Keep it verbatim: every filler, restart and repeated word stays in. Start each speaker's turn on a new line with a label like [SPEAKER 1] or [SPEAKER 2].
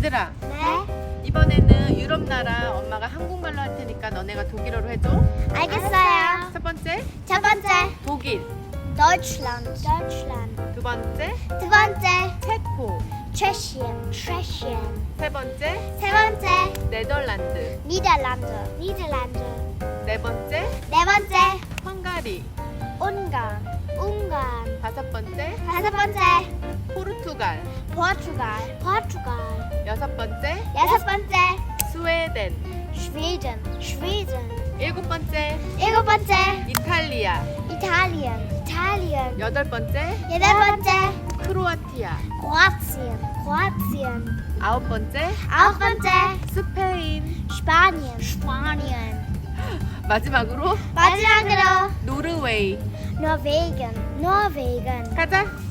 [SPEAKER 1] 얘들아,
[SPEAKER 2] 네,
[SPEAKER 1] 이번에는 유럽 나라 엄마가 한국말로 할 테니까 너네가 독일어로 해줘.
[SPEAKER 2] 알겠어요.
[SPEAKER 1] 첫 번째
[SPEAKER 2] 첫 번째,
[SPEAKER 1] 독일,
[SPEAKER 2] Deutschland, Deutschland.
[SPEAKER 1] 두 번째
[SPEAKER 2] 두 번째,
[SPEAKER 1] 체코,
[SPEAKER 2] Tschechien, Tschechien.
[SPEAKER 1] 세 번째
[SPEAKER 2] 세 번째,
[SPEAKER 1] 네덜란드,
[SPEAKER 2] Niederlande, Niederlande.
[SPEAKER 1] 네 번째
[SPEAKER 2] 네 번째,
[SPEAKER 1] 헝가리,
[SPEAKER 2] Ungarn, Ungarn.
[SPEAKER 1] 다섯 번째
[SPEAKER 2] 다섯 번째,
[SPEAKER 1] 포르투갈,
[SPEAKER 2] Portugal, Portugal.
[SPEAKER 1] 여섯 번째
[SPEAKER 2] 여섯 번째,
[SPEAKER 1] 스웨덴,
[SPEAKER 2] Schweden, Schweden.
[SPEAKER 1] 일곱 번째
[SPEAKER 2] 일곱 번째,
[SPEAKER 1] 이탈리아,
[SPEAKER 2] Italien, Italien.
[SPEAKER 1] 여덟 번째
[SPEAKER 2] 여덟 번째,
[SPEAKER 1] 크로아티아,
[SPEAKER 2] Kroatien, Kroatien.
[SPEAKER 1] 아홉 번째
[SPEAKER 2] 아홉 번째,
[SPEAKER 1] 스페인,
[SPEAKER 2] Spanien, Spanien.
[SPEAKER 1] 마지막으로
[SPEAKER 2] 마지막으로
[SPEAKER 1] 노르웨이.
[SPEAKER 2] Norwegen, Norwegen.
[SPEAKER 1] 가자.